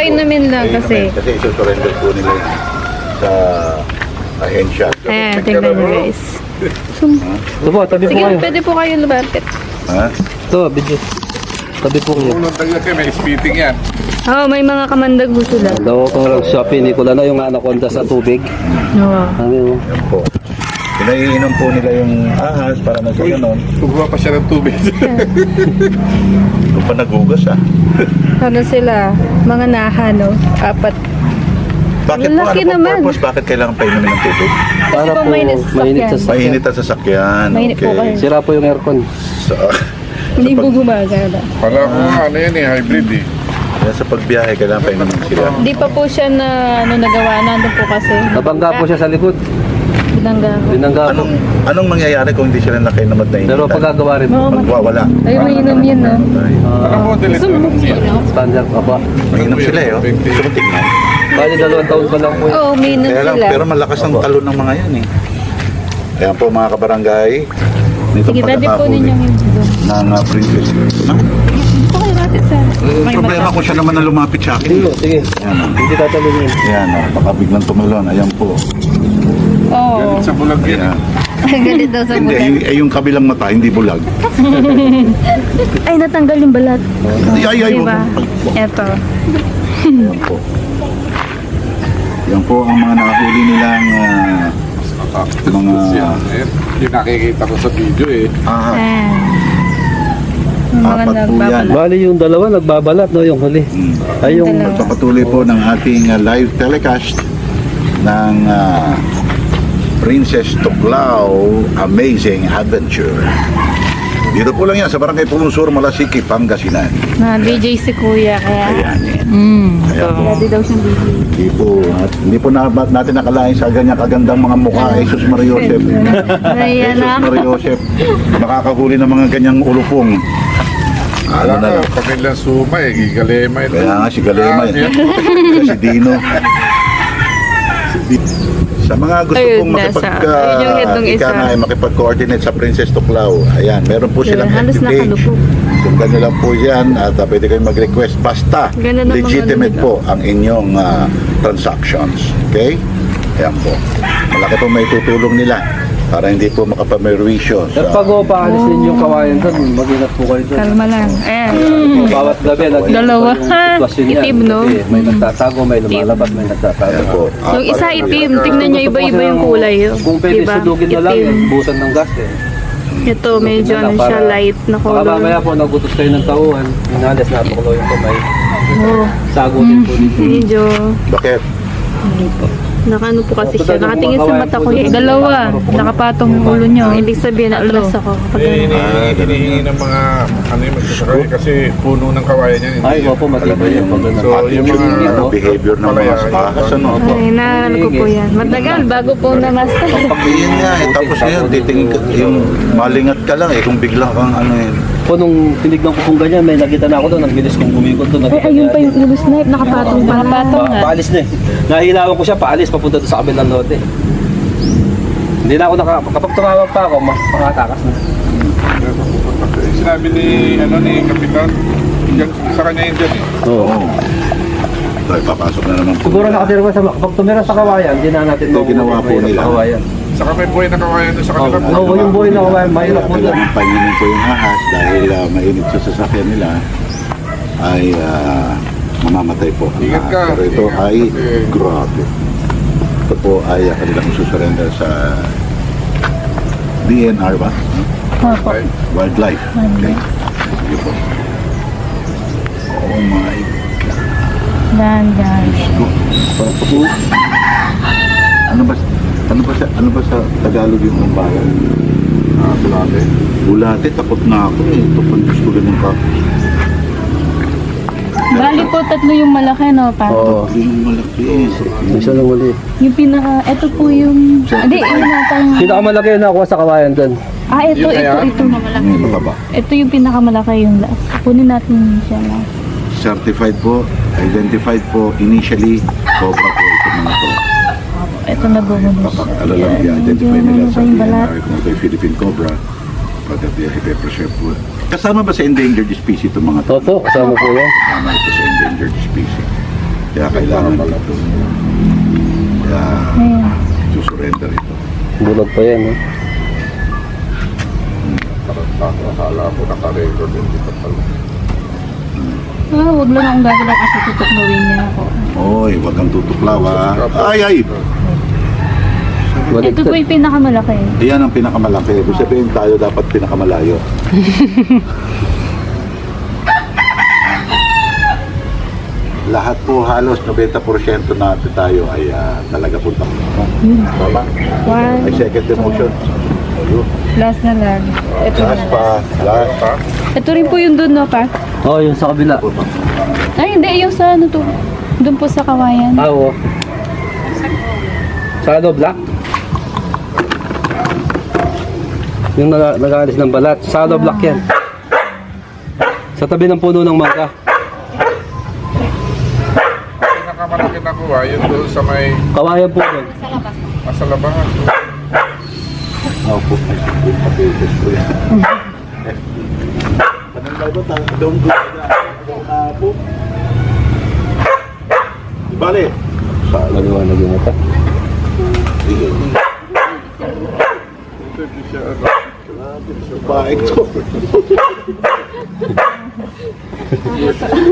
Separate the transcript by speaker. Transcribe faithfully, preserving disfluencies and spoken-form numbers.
Speaker 1: Painumin lang kasi.
Speaker 2: Kasi isusurrender po nila yan sa ahensya.
Speaker 1: Ayan, tingnan nyo guys.
Speaker 3: Ito po, tabi po
Speaker 1: Sige,
Speaker 3: kayo.
Speaker 1: pwede po kayo lumapit.
Speaker 2: Ha?
Speaker 3: Ito, video. Tabi po kayo.
Speaker 4: Unang tagal kayo, may spitting yan.
Speaker 1: Oo, oh, may mga kamandag po sila.
Speaker 3: Daw ko lang Shopee, Nicola na yung anaconda sa tubig.
Speaker 1: Oo.
Speaker 3: Ano yun?
Speaker 2: Yan po. Pinaiinom po nila yung ahas para na sa ganon.
Speaker 4: Pagbuha pa siya ng tubig.
Speaker 2: Kung pa nagugas ah.
Speaker 1: Ano sila? Mga naha, no? Apat.
Speaker 2: Bakit po?
Speaker 1: Lalaki
Speaker 2: Ano po
Speaker 1: naman.
Speaker 2: purpose? Bakit kailangan painumin ng tubig?
Speaker 3: Para
Speaker 1: po
Speaker 3: po
Speaker 1: mainit sa
Speaker 3: mainit sa
Speaker 1: sasakyan.
Speaker 3: sasakyan.
Speaker 2: Mainit ang sasakyan.
Speaker 1: Mainit po kayo.
Speaker 3: Sira po yung aircon.
Speaker 2: So,
Speaker 1: Hindi po gumagana.
Speaker 4: Pala ko nga, ano yan eh, hybrid eh.
Speaker 2: kaya sa pagbiyahe, kailangan painumin sila.
Speaker 1: Hindi pa po siya na ano, nagawa. Nandun po kasi.
Speaker 3: Nabangga po siya sa likod.
Speaker 1: Binangga ko.
Speaker 3: Binangga po.
Speaker 2: Anong anong mangyayari kung hindi sila nakainomad na
Speaker 3: Pero pagkagawa rin po.
Speaker 1: Oo,
Speaker 2: magwawala.
Speaker 1: Ay, may inom yun, no?
Speaker 2: Ay,
Speaker 4: Baka
Speaker 3: Ah,
Speaker 4: po, delete mo lang siya.
Speaker 3: standard pa ba?
Speaker 2: mainom sila eh. Oh. Gusto mo tingnan?
Speaker 3: Bali dalawang taon pa lang po yun.
Speaker 1: Oo, may inom
Speaker 2: Kaya lang,
Speaker 1: sila.
Speaker 2: pero malakas ang talon ng mga yan eh. Ayan po mga kabarangay. Nitong
Speaker 1: Sige, dati po
Speaker 2: pagkakahuli
Speaker 1: ninyo yung video.
Speaker 2: ng uh, princess. Ha?
Speaker 1: Okay, natin sa...
Speaker 2: Eh,
Speaker 1: May
Speaker 2: problema
Speaker 1: mata.
Speaker 2: ko siya naman na lumapit sa akin.
Speaker 3: Sige, sige.
Speaker 2: Ayan o.
Speaker 3: Hindi tatalungin.
Speaker 2: Ayan o. Baka biglang tumalon. Ayan po.
Speaker 1: Oo.
Speaker 4: Galit sa bulag yan.
Speaker 2: Ayan.
Speaker 1: Galit daw sa
Speaker 2: Hindi,
Speaker 1: bulan.
Speaker 2: yung, eh, yung kabilang mata, hindi bulag.
Speaker 1: Ay, natanggal yung balat.
Speaker 2: Ay, ay, ay.
Speaker 1: Diba?
Speaker 2: wag- wag-
Speaker 1: Eto.
Speaker 2: Ayan po. Yan po ang mga nakahuli nilang uh, mga
Speaker 4: Yan, eh. Yung nakikita ko sa video eh.
Speaker 2: ahas.
Speaker 1: Ayan. Yung mga
Speaker 2: Apat po yan.
Speaker 1: nagbabalat.
Speaker 3: Bali yung dalawa nagbabalat no yung huli.
Speaker 2: Hmm.
Speaker 3: Ay yung
Speaker 1: Dalawa.
Speaker 2: Pagpapatuloy po ng ating uh, live telecast ng uh, Princess Tuklao Amazing Adventure. Dito po lang yan sa Barangay Pulunsur, Malasiki, Pangasinan.
Speaker 1: Na D J si Kuya, kaya...
Speaker 2: Ayan. yan.
Speaker 1: Mm.
Speaker 2: Ayan po.
Speaker 1: Ready daw siyang D J.
Speaker 2: Hindi po, at hindi po na, natin nakalain sa ganyan kagandang mga mukha. Jesus Maria Joseph.
Speaker 1: Ayan
Speaker 2: Jesus
Speaker 1: na.
Speaker 2: Maria Joseph. Makakahuli ng mga ganyang ulupong. Ano
Speaker 4: Alam
Speaker 2: na
Speaker 4: na,
Speaker 2: lang.
Speaker 4: pag ilang suma eh, gigalema ito.
Speaker 2: Kaya nga si Galema.
Speaker 4: Ah,
Speaker 2: eh.
Speaker 4: yan.
Speaker 2: si Dino. Sa mga gusto
Speaker 1: Ayun,
Speaker 2: pong makipag,
Speaker 1: nasa- ayun yung head ng
Speaker 2: uh, ika
Speaker 1: isa.
Speaker 2: nga, eh, makipag-coordinate sa Princess Tuklao. Ayan, meron po silang
Speaker 1: Halos
Speaker 2: active page.
Speaker 1: nakalupog.
Speaker 2: Sundan nyo lang po yan at uh, pwede kayong mag-request. Basta
Speaker 1: Ganda ng mga
Speaker 2: legitimate
Speaker 1: ano
Speaker 2: po ang inyong uh, transactions. Okay? Ayan po. Malaki po may tutulong nila para hindi po makapamerwisyo.
Speaker 3: At pag o paalis din yung kawayan doon, mag-ingat po kayo doon.
Speaker 1: Kalma lang. Ayan.
Speaker 3: Bawat gabi, nag-iingat
Speaker 1: Dalawa.
Speaker 3: pa yung sitwasyon niya.
Speaker 1: Itim, no?
Speaker 3: Kasi may nagtatago, may lumalabas, may nagtatago.
Speaker 2: Ayan po. Ah,
Speaker 1: Yung isa
Speaker 2: pag-
Speaker 1: itim, tingnan nyo iba-iba yung kulay. oh.
Speaker 3: Kung pwede
Speaker 1: Diba?
Speaker 3: sudugin na lang,
Speaker 1: Itim.
Speaker 3: busan ng gas eh.
Speaker 1: Ito, medyo ano siya, light na
Speaker 3: Baka mamaya
Speaker 1: color.
Speaker 3: po, nagutos kayo ng tauhan, inalas na tuklaw yung kamay.
Speaker 1: Oh,
Speaker 3: Sago din po dito.
Speaker 1: medyo...
Speaker 2: Bakit?
Speaker 1: Nakano po kasi siya. Nakatingin sa mata ko. Eh, dalawa. Nakapatong yung ulo nyo. Ibig sabihin, atlas ako. Kapag
Speaker 4: Eh,
Speaker 1: ano.
Speaker 4: hinihingi hinihingi ng mga ano yung magsasakay kasi puno ng kawayan yan. hindi
Speaker 3: Ay,
Speaker 4: yan.
Speaker 3: opo, matibay yan. Pag ganun.
Speaker 4: So, yung mga
Speaker 2: Ano, behavior ng mga ahas, ano?
Speaker 1: Ay, naano ko po yan. Matagal, bago po na-master.
Speaker 2: Yun nga eh, tapos yun, titingin ka, yung malingat ka lang eh, kung bigla kang ano yun.
Speaker 3: Po, nung tinignan ko kung ganyan, may nakita na ako doon, ang bilis kong umikot doon.
Speaker 1: Ay, ayun pa yung ulo snipe. Nakapatong pa. Nakapatong
Speaker 3: Pa,
Speaker 1: nga.
Speaker 3: paalis na eh. Nahihilawan ko siya, paalis, papunta doon sa kabilang lote. Hindi na ako naka... Kapag tumawag pa ako, ma- makatakas na.
Speaker 4: sinabi ni ano ni Kapitan, yan, sa kanya yun dyan eh.
Speaker 3: Oo.
Speaker 2: Oo. So, ipapasok na naman po.
Speaker 3: Siguro nakatira ko sa... Kapag tumira sa kawayan, hindi na natin
Speaker 2: Ito, ginawa po
Speaker 3: mahirap
Speaker 2: nila.
Speaker 3: sa kawayan.
Speaker 4: Saka may buhay na kawayan doon sa
Speaker 3: Oo,
Speaker 4: kanila.
Speaker 3: oh, yung buhay na kawayan, mahirap po doon.
Speaker 2: Kailangan painginin ko yung ahas dahil uh, mainit sa sasakyan nila ay ah, mamamatay po ang
Speaker 4: Ingat
Speaker 2: ahas.
Speaker 4: ka.
Speaker 2: Pero ito
Speaker 4: Ingat
Speaker 2: ay
Speaker 4: kasi-
Speaker 2: grabe. Ito po ay uh, kanilang susurrender sa D N R ba?
Speaker 4: Ay,
Speaker 2: Wildlife. Okay. Sige po. Oh my
Speaker 1: Dan, dan.
Speaker 2: God. Parang po. Ano ba ano ba sa ano ba sa Tagalog yung umbayan?
Speaker 4: ah, bulate.
Speaker 2: Bulate, takot na ako eh. Ito po Diyos ko ganun ka.
Speaker 1: Bali po, tatlo yung malaki, no, pa?
Speaker 3: Oo.
Speaker 2: Yung malaki eh.
Speaker 3: Isa lang muli.
Speaker 1: Yung pinaka, eto po yung... Hindi, yung natang...
Speaker 3: Pinakamalaki na nakuha sa kawayan doon.
Speaker 1: Ah, ito,
Speaker 4: Yun
Speaker 1: ito,
Speaker 4: kaya?
Speaker 1: ito.
Speaker 2: Ano ba ba?
Speaker 1: Ito yung pinakamalaki yung last. Kunin natin siya na.
Speaker 2: Certified po, identified po, initially, Cobra po ito mga to.
Speaker 1: Ito na bumulong siya.
Speaker 2: Kapag lang
Speaker 1: Ayan,
Speaker 2: i-identify
Speaker 1: medyo
Speaker 2: nila
Speaker 1: ano
Speaker 2: sa
Speaker 1: pa yung
Speaker 2: D N
Speaker 1: balat.
Speaker 2: R kung ito yung Philippine Cobra, pagkat yung pepper chef po. Kasama ba sa endangered species itong mga to?
Speaker 3: Toto, kasama po yan.
Speaker 2: Kasama ito sa endangered species. Kaya kailangan ito. Kaya
Speaker 1: Ayan.
Speaker 2: susurrender ito.
Speaker 3: Bulag pa yan, eh.
Speaker 4: Parang ako, akala ko naka-record yung dito pala.
Speaker 1: Ah, huwag lang akong gagalaw kasi tutuklawin niya ako.
Speaker 2: Oy, wag kang tutuklaw ha. Ay, ay!
Speaker 3: Balik
Speaker 1: Ito po yung pinakamalaki.
Speaker 2: Iyan ang pinakamalaki. Ibig sabihin tayo dapat pinakamalayo. Lahat po halos ninety percent natin tayo ay ah, talaga punta. Tama?
Speaker 1: One.
Speaker 2: Ay second emotion. Ayun.
Speaker 1: Last na lang. Ito na.
Speaker 2: Last pa. Last pa.
Speaker 1: Ito rin po yung doon, no, pa?
Speaker 3: Oo, oh, yung sa kabila.
Speaker 1: Ay, hindi. Yung sa ano to. Doon po sa kawayan.
Speaker 3: Ah, oo. Sa ano, black? Yung nag nag-aalis ng balat. Sa ano, black yan. Sa tabi ng puno ng mangga.
Speaker 4: Pinakamalaki na kuha, yun doon sa may
Speaker 3: Kawayan po doon.
Speaker 4: nasa labahan.
Speaker 2: Ako po. Ay papeles ko yan. Pananggal ba tayo? Doon ko na po. Bale.
Speaker 3: Maliwanag yung mata.
Speaker 2: Sige.
Speaker 4: Hindi siya ano.
Speaker 2: Baik to.